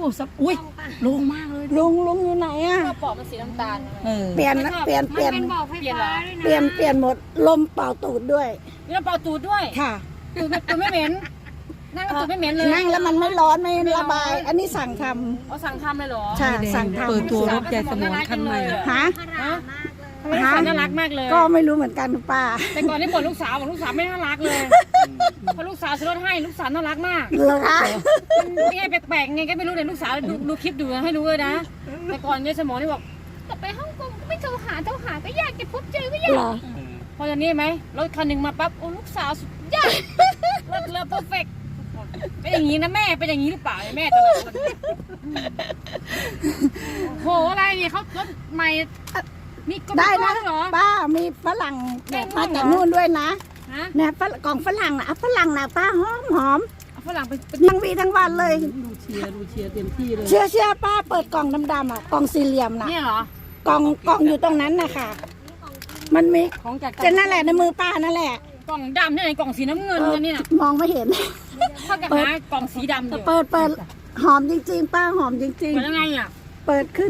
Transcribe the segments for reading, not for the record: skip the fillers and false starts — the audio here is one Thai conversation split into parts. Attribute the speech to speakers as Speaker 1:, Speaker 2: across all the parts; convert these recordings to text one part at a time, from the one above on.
Speaker 1: อุ้ยโล่งมากเลยลุงอยู่ไหนอ่ะ
Speaker 2: ปอกมันสีน้ำตาล
Speaker 1: เปลี่ยนเปลี่ยน
Speaker 2: เปลี่ยน
Speaker 1: หมดลมเป่าตูดด้วย
Speaker 2: มีน้ำเปล่าตูดด้วย
Speaker 1: ค่ะ
Speaker 2: ตูดไม่เหม็นนั่งตูดไม่เหม็นเลย
Speaker 1: นั่งแล้วมันไม่ร้อนไม่ระบายอันนี้สั่งทำ
Speaker 2: เอาสั่งทำเลยเหรอ
Speaker 1: ใช่สั่งทำ
Speaker 3: เปิดตัวรถยายสมรคันใหม่
Speaker 1: ฮะ
Speaker 2: น่ารักมากเลย
Speaker 1: ก็ไม่รู้เหมือนกันป้า
Speaker 2: แต่ก่อนนี่บ่นลูกสาวบอกลูกสาวไม่น่ารักเลยพอลูกสาวซื้อรถให้ลูกสาวน่ารักมาก
Speaker 1: เหรอคะ
Speaker 2: นี่แปลกๆไงก็ไม่รู้เลยลูกสาวดูคลิปดูให้รู้เลยนะแต่ก่อนยายสมรนี่บอกกลับไปฮ่องกงก็ไม่โทรหาก็ยากจะพบเจอก็ยากพออย่างนี้ไหมรถคันหนึ่งมาปั๊บโอ้ลูกสาวสุดยอดรถเรือเพอร์เฟกต์เป็นอย่างนี้นะแม่เป็นอย่างนี้หรือเปล่าแม่แต่ละคนโหอะไรเนี่ยเขารถใหม่มีก
Speaker 1: ได้นะ
Speaker 2: เหรอ
Speaker 1: ป้ามีฝรั่งมาจากนู่นด้วยนะเนี่ยกล่องฝรั่งนะฝรั่งนะป้าหอม
Speaker 2: ฝรั่งเป็น
Speaker 1: ทั้งวีทั้งวันเลย
Speaker 3: ดูเชียร์เต็มที่เลย
Speaker 1: เชื่อป้าเปิดกล่องดำๆอ่ะกล่องสี่เหลี่ยมนะ
Speaker 2: นี่เหรอก
Speaker 1: ล่องอยู่ตรงนั้นนะคะมันมี
Speaker 2: ของจาก
Speaker 1: จะนั่นแหละในมือป้านั่นแหละ
Speaker 2: กล่องดำนี่ไหนกล่องสีน้ำเงินนี่นะ
Speaker 1: มองไม่เห็น
Speaker 2: เข้ากับหากล่องสีดำอยู่
Speaker 1: เปิดหอมจริงๆป้าหอมจริงๆ
Speaker 2: เปิดยังไงอ่ะ
Speaker 1: เปิดขึ้น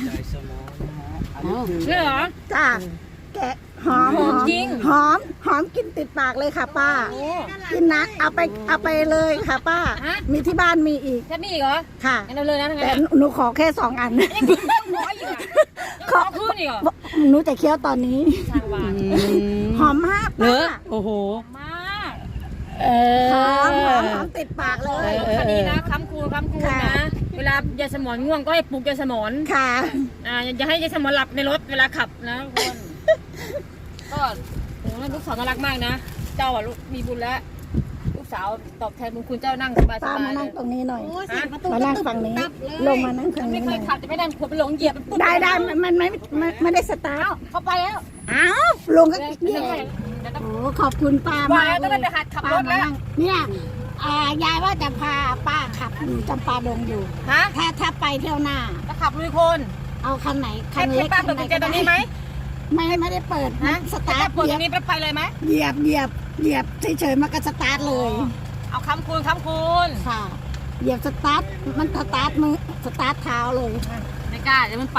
Speaker 2: นี่เหรอ
Speaker 1: จ้าแกะหอม
Speaker 2: จริง
Speaker 1: หอมกินติดปากเลยค่ะป้ากินนะเอาไปเลยค่ะป้ามีที่บ้านมีอีก
Speaker 2: แค่นี้เหรอ
Speaker 1: ค่ะ
Speaker 2: งั้นเลยนะ
Speaker 1: แต่หนูขอแค่2 อัน
Speaker 2: ขอพื้นอีกเหรอ
Speaker 1: หนูจะเคี้ยวตอนนี้หอมมากป้า
Speaker 3: โอ้โห
Speaker 2: มาก
Speaker 1: หอมติดปากเลย
Speaker 2: คันนี้นะค้ำคูณนะเวลายายสมรง่วงก็ให้ปลุกยายสมร
Speaker 1: ค่ะ
Speaker 2: อย่าให้ยายสมรหลับในรถเวลาขับนะคนก็โหลูกสาวน่ารักมากนะเจ้าอ่ะลูกมีบุญแล้วลูกสาวตอบแทนบุญคุณเจ้านั่งสบายๆ
Speaker 1: ป้ามานั่งตรงนี้หน่อยมานั่งฝั่งนี้ลงมานั่งฝั่งนี้
Speaker 2: ไม่เคยขับจะไม่นั่งขวบไปหลงเหยียบ
Speaker 1: ได้มันไม่ได้สตาร์ท
Speaker 2: เข้าไปแล้ว
Speaker 1: อ้าวลงก็โอ้ขอบคุณป้ามาก
Speaker 2: เลยหัดขับรถแล้ว
Speaker 1: เนี่ยยายว่าจะพาป้าขับจำปาดงอยู่ถ้าไปเที่ยวหน้า
Speaker 2: จะขับลุยโคลน
Speaker 1: เอาคันไหนคันเล็ก
Speaker 2: ป้าเปิดกุญแจตรงนี้ไหม
Speaker 1: ไม่ได้เปิดนะสตาร์ท
Speaker 2: เปิดตรงนี้ไปเลยไหม
Speaker 1: เหยียบเฉยๆมันก็สตาร์ทเลย
Speaker 2: เอาค้ำคูณ
Speaker 1: ค่ะเหยียบสตาร์ทมันสตาร์ทมือสตาร์ทเท้าเลย
Speaker 2: ไม่กล้าเดี๋ยวมันไป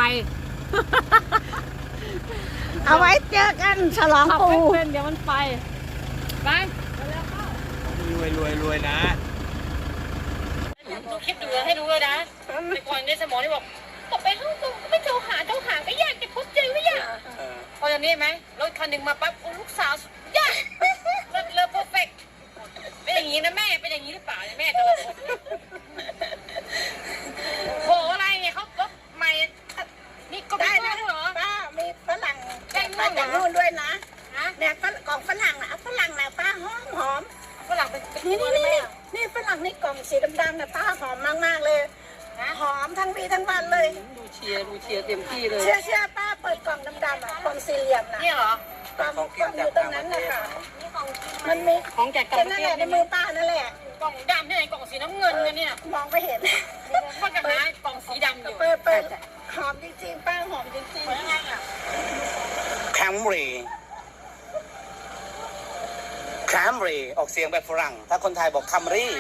Speaker 1: เอาไว้เจอกันฉลองปู
Speaker 2: เดี๋ยวมันไป
Speaker 4: รวยนะ
Speaker 2: ดูคลิปดูให้รู้เลยนะในก่อนในสมองนี่บอกกลับไปฮ่องกงก็ไม่โทรหาก็ยากจะพบเจอก็ยากพออย่างนี้ไหมรถคันหนึ่งมาปั๊บโอ้ลูกสาวสุดยอดรถเรือเพอร์เฟกต์เป็นอย่างนี้นะแม่เป็นอย่างนี้หรือเปล่าแม่แต่ละคนโหอะไรเนี่ยเขารถใหม่นี่ก็ได้นะเหรอ
Speaker 1: ป้ามีฝรั่งมาจากนู่นด้วยนะเนี่ยกล่องฝรั่งนะฝรั่งนะป้าหอม
Speaker 2: ฝรั่งเป็น
Speaker 1: นี่ฝรั่งนี่กล่องสีดำๆนะป้าหอมมากๆเลยหอมทั้งวีทั้งวันเลย
Speaker 3: ดูเชียร์เต็มที่เลย
Speaker 1: เชื่อป้าเปิดกล่องดำๆอ่ะกล่องสี่เหลี่ยมนะ
Speaker 2: นี่เหร
Speaker 1: อกล่องอยู่ตรงนั้นนะคะมันมี
Speaker 2: ของแจกกัน
Speaker 1: นั่นแหละในมือป้านั่นแหละ
Speaker 2: กล่องดำที่ไหนกล่องสีน้ำเงินเนี่ย
Speaker 1: มองไม่เห็น
Speaker 2: ก็จะหากล่องสีดำอยู่
Speaker 1: เปิดหอมจริงๆป้าหอมจริงๆ
Speaker 4: แคมรีออกเสียงแบบฝรั่งถ้าคนไทยบอกคัมรี่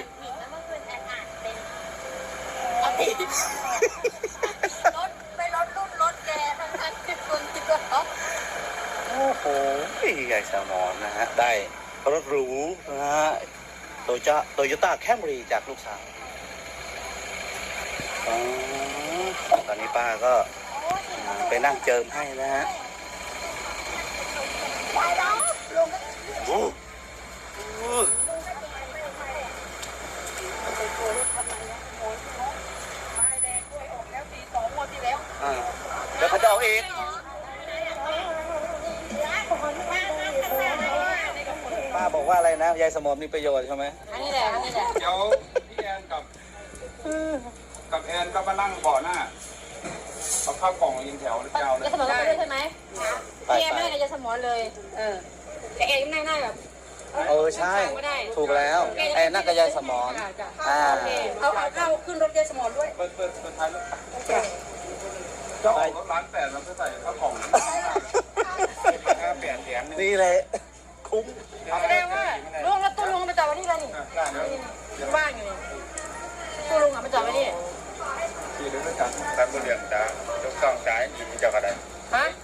Speaker 1: รถแกทั้ง10 คนคิดว่า
Speaker 4: โอ้โหยายสมรนะฮะได้รถหรูนะฮะโตโยต้าแคมรี่จากลูกสาวตอนนี้ป้าก็ไปนั่งเจิมให้นะฮะแล้วเขาจะเอาเองป้าบอกว่าอะไรนะยายสมรมีประโยชน์ใช่ไหม
Speaker 2: นี่แหละ
Speaker 5: เดี๋ยวพี่แอนกับแอนก็มานั่งเบาะหน้าเอาข้าวกล่องยิงแถวยาวเลย
Speaker 2: จะสมอไปด้วยใช่ไหมพี่แอนไม่ได้จะสมอเลยแต่แอนยังนั่งแบบ
Speaker 4: ใช่ถูกแล้วไอ้นั่งกับยายสมร
Speaker 2: เอาขึ้นรถยายสมรด้วย
Speaker 5: เปิดท้ายรถจะออกรถร้าน8แล้วก็ใส่ข้าวกล่อง8 แถม
Speaker 4: นี่เลยคุ้ม
Speaker 2: แสดงว่าลุงแล้วตู้ลุงไปจอดไว้นี่แล้วนี่ว่างอยู่นี่ตู้ลุงมาจอดไว้นี่
Speaker 5: การบริเวณจ้าทุกต้องจ่ายอยู่ที่เจ้ากันได้
Speaker 2: ฮะ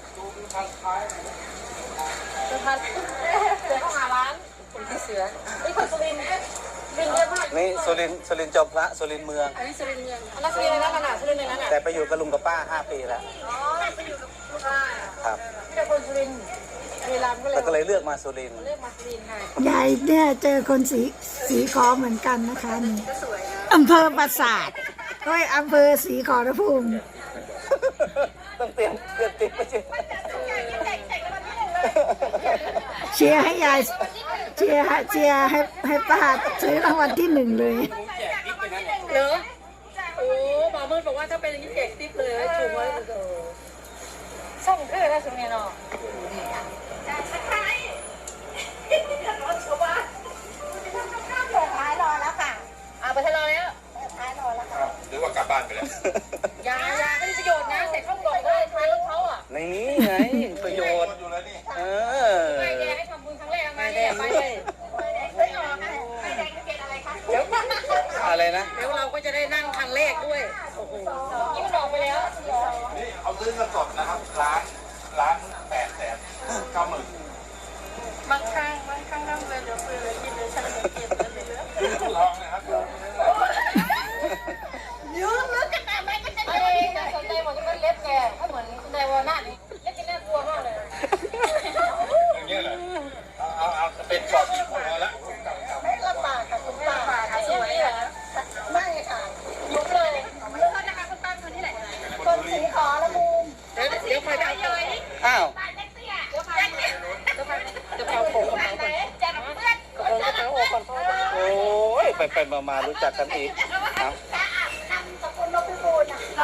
Speaker 2: เสือเขาหาร้านคนที่เสือไอ้คนสุรินทร์บินเยอะมาก
Speaker 4: นี่สุรินทร์จอมพระสุรินทร์เมือง
Speaker 2: อันนี้สุรินทร์เมืองอันนั้นสุรินทร์ในนั้นขนาดสุรินทร์ในนั้นอ่ะ
Speaker 4: แต่ไปอยู่กับลุงกับป้า5 ปีแล้ว
Speaker 2: อ๋อไปอยู่กับลูกค้า
Speaker 4: ครับ
Speaker 2: ที่เป็นคนสุรินทร์เวลาก็เลย
Speaker 4: แล้วก็เลยเลือกมาสุรินทร์
Speaker 2: เรียกมาสุรินทร์ค่ะ
Speaker 1: ยายเนี่ยเจอคนสีขอเหมือนกันนะคะนี่
Speaker 2: ก็สวยนะ
Speaker 1: อำเภอปราสาทก็อำเภอศรีขอรภูมิ
Speaker 4: ต้องเตรียมไปเชีย
Speaker 1: เชียร์ให้ยายเชียร์ให้ป้าซื้อรางวัลที่ 1เลย
Speaker 2: เหรอโอ้หมอมืดบอกว่าถ้าเป็นอย่างนี้แจกติ๊บเลยถูกไว้เลยส่งเพื่อนนะสุรินทร์เนาะเอาไปทะเลาะแล้ว
Speaker 5: หรือว่ากลับบ้านไปแล้ว
Speaker 2: ยาไม่มีประโยชน์นะใส่ข้าวกล่องก็ได้ท้ายรถเขาอ่ะ
Speaker 4: ในนี้ไงประโยชน์
Speaker 5: อยู่แล้วนี่
Speaker 4: เออ
Speaker 2: ไปแดงให้ทำบุญครั้งแรกมาเนี่ยไปเลยเดี๋ยว
Speaker 4: อะไรนะ
Speaker 2: เดี๋ยวเราก็จะได้นั่งครั้งแรกด้วยโอ้โหนี่มันออกไปแล้ว
Speaker 5: นี่เอาซื้อเงินสดนะครับล้าน890,000
Speaker 2: บางครั้งนั่งเลยเดี๋ยวซื้อเลยกินเลยฉันเลยเก็บเลยเหลือ
Speaker 5: ซื้อทองนะครับ
Speaker 2: ยืมลึกกันแต่ไม่ก็จะได้น่าสนใจหมดที่มันเล็บแกถ้าเหมือนคุณไดวาน่านี่เล็บกินน่ากลัวมากเลย
Speaker 5: อย่างเงี้ยเลยเอาเป็นกรอบอีกพอแล้ว
Speaker 2: ไม่ลำบากค่ะคุณป้าสวยเหรอไม่ค่ะยุบเลยแล้วเขาจะหาคุณป้าคนที่ไหนคนสีขอละมุมเดี๋ยวไปได้เลย
Speaker 4: อ้าว
Speaker 2: เดี๋ยวไปเอาผมมาไหนจัดเพื่อนกระเป๋าโอ้ก่อนพ่อ
Speaker 4: โอ้ยไปมารู้จักกันอีกเอา
Speaker 2: สกุลนกพิบูลนะคะ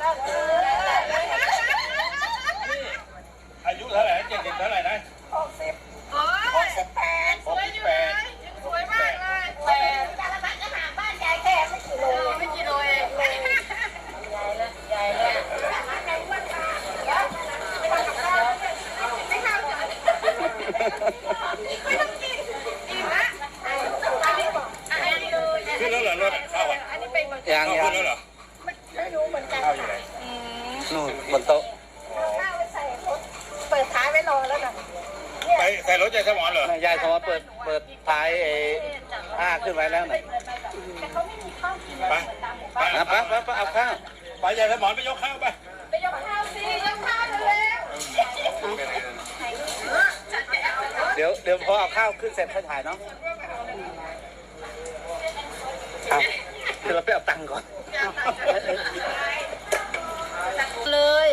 Speaker 5: อายุเท่าไหร่70เท่าไหร่นะ
Speaker 2: 68สวยอยู่เลยสวยมากเลยแต่จารพัดก็หาบ้านยายแค่ไม่กี่โลเองยายแล้วในวันค่ะไม่ทำกับข้าวไม่ทำไม่ต้องกินอิ่มละอันนี้บอกอันนี้เลย
Speaker 5: ขึ้นแล้วเหรอรถเข้าอ่ะ
Speaker 2: อันนี้เป็น
Speaker 4: ยัง
Speaker 5: ขึ้นแล้วเหรอ
Speaker 2: ไม่รู้เหมือนกัน
Speaker 5: เข้าอยู่ไหน
Speaker 4: นู่นบนโต๊ะ
Speaker 2: ข้าวไว้ใส่รถเปิดท้ายไว้รอแล้วนะ
Speaker 5: ไปใส่รถยายสมอนเหรอย
Speaker 4: ายเขาว่าเปิดท้ายผ้าขึ้นไว้แล้วหน่อย
Speaker 2: แต่เขาไม่มีข้าวกิน
Speaker 5: ไปไป
Speaker 4: นะไปเอาข้าว
Speaker 5: ไปยายสมอนไปยกข้าวไป
Speaker 2: ไปยกข้าวสิยกข้าวเร็ว
Speaker 4: เดี๋ยวพอเอาข้าวขึ้นเสร็จค่อยถ่ายเนาะครับเดี๋ยวเราไปเอาตังค์ก่อน
Speaker 2: เลย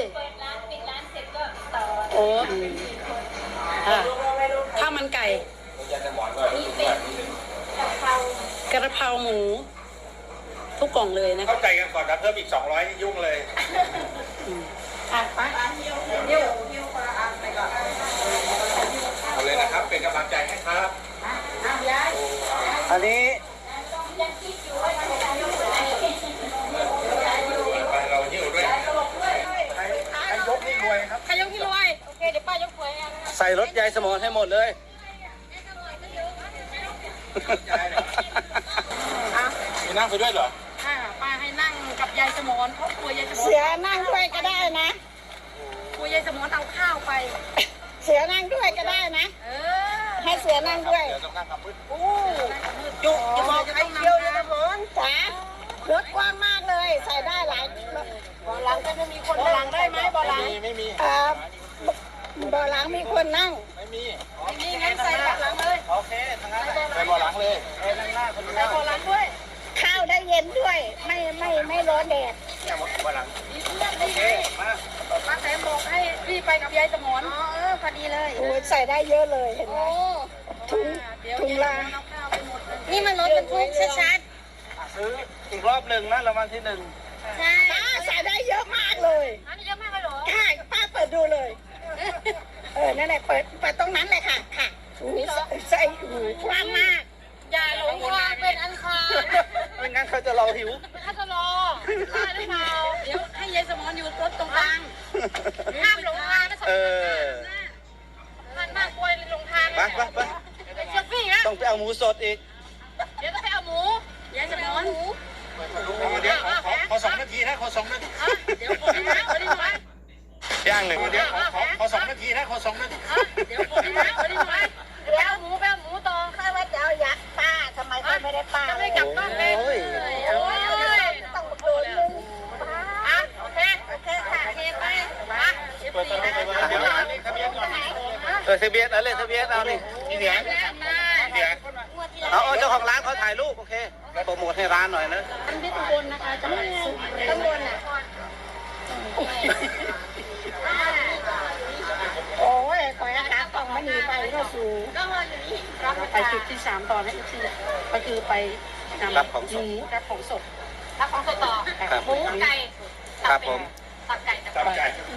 Speaker 2: โอ้ข้าวมันไก่กระเพราหมูทุกกล่องเลยนะ
Speaker 5: เข้าใจกันก่อนนะเพิ่มอีก200นี่ยุ่งเลย
Speaker 2: อ่ะไป
Speaker 5: เอาเลยนะครับเป็นกำลังใจให้ครับ
Speaker 4: อันนี้
Speaker 5: ไปเราหิ้วด้วยใครยกนี่รวยครับ
Speaker 2: ใครยกที่รวยโอเคเดี๋ยวป้ายกหวยเอง
Speaker 4: ใส่รถยายสมอนให้หมดเลย
Speaker 5: มีนั่งไปด้วยเหรอ
Speaker 2: ค่ะป้าให้นั่งกับยายสมอนเพราะกลัวยายสมอน
Speaker 1: เสือนั่งด้วยก็ได้นะ
Speaker 2: กลัวยายสมอนเอาข้าวไป
Speaker 1: เสือนั่งด้วยก็ได้นะ ให้เสือนั่งด้วย
Speaker 5: เดี๋ยวต้องนั่งกับพื้น
Speaker 2: จุกจะบอกใครเดียวยายสมอน
Speaker 1: จ๋ารถกว้างมากเลย ใส่ได้หลาย
Speaker 2: บ่อหลังก็จะมีคนบ่อหลังได้ไหมบ่อหลัง
Speaker 5: ไม่มี
Speaker 1: บ่อหลังมีคนนั่ง
Speaker 5: ไม่มี
Speaker 2: นี่งั้นใส่บ่อหลังเลย
Speaker 4: โอเคทั้งนั้น
Speaker 5: ใส่บ่อหลังเลย
Speaker 4: นั่งหน้าคน
Speaker 2: ใส่
Speaker 4: นั่ง
Speaker 2: บ่อหลังด้วย
Speaker 1: ข้าวได้เย็นด้วย ไม่ร้อนแดด
Speaker 5: เนี่ยบ่อหลัง
Speaker 2: มีเพื่อนดีไงป้าแตมบอกให้รีบไปกับยายสมอนพอดีเลย
Speaker 1: โอ้ยใส่ได้เยอะเลยเห็นไหม ถุงละ
Speaker 2: นี่มันรถบรรทุกชัด
Speaker 4: ซื้ออีกรอบหนึ่งนะรางวัลที่1
Speaker 2: ๆใช่
Speaker 1: ป้าใส่ได้เยอะมากเลย
Speaker 2: อันนี้เยอะมากเลยเหรอ
Speaker 1: ใช่ป้าเปิดดูเลย นั่นแหละเปิดตรงนั้นเลยค่ะอุ้ยใส่กว้างมาก
Speaker 2: อย่าหลงทางเป็นอันคาร
Speaker 4: ไม่งั้นเขาจะรอหิว
Speaker 2: ถ้าจะรอได้หรือเปล่าเดี๋ยวให้ยายสมอนอยู่รถตรงกลางห้ามหลงทางนะสม
Speaker 4: เอ
Speaker 2: อน
Speaker 4: อ
Speaker 2: มันมากกลัวหลงทาง
Speaker 4: ไป
Speaker 2: เป็นเชือกพี่นะ
Speaker 4: ต้องไปเอาหมูสดอีก
Speaker 2: เดี๋ยวต้องไปเอาหมูยายสมอน
Speaker 5: เดี๋ยวขอ2 นาทีนะขอ2 นาที
Speaker 2: เอา
Speaker 4: มา2 เม็ด
Speaker 2: เดี๋ยวผมนะวันนี้ไปเอาหมูต่อ
Speaker 1: ข้าว่าจะเอายักษ์ป้าทำไมป้าไม่ได้ป้า
Speaker 2: จะไม่กลับบ้านเลย
Speaker 4: โอ้ย
Speaker 2: โอ้ย
Speaker 1: ต้องมาโดนนึงป้า
Speaker 2: อ่ะโอเค
Speaker 1: โอเคค่ะ
Speaker 2: โอเคไปมา14นะ
Speaker 4: ทะเบียนอะไรทะเบียนเอานี่นี่เนี่ยเอาเจ้าของร้านเขาถ่ายรูปโอเคโปรโมทให้ร้านหน่อยนะ
Speaker 2: ที่ตุบลนะคะจะไม่ข้างบนอ่ะ
Speaker 1: โอ้ยคอยนะคะกล่องมันหนีไปก็สูง
Speaker 2: ก็รออยู่นี่
Speaker 3: ไปจุดที่3ต่อนะอีกทีก็คือไปนำ
Speaker 4: รับของสด
Speaker 3: รับของสด
Speaker 2: รับของสดต่อ
Speaker 4: ครับ
Speaker 2: หมูไก่
Speaker 4: ครับผม
Speaker 2: ตับไก่
Speaker 5: จับใจ
Speaker 3: ต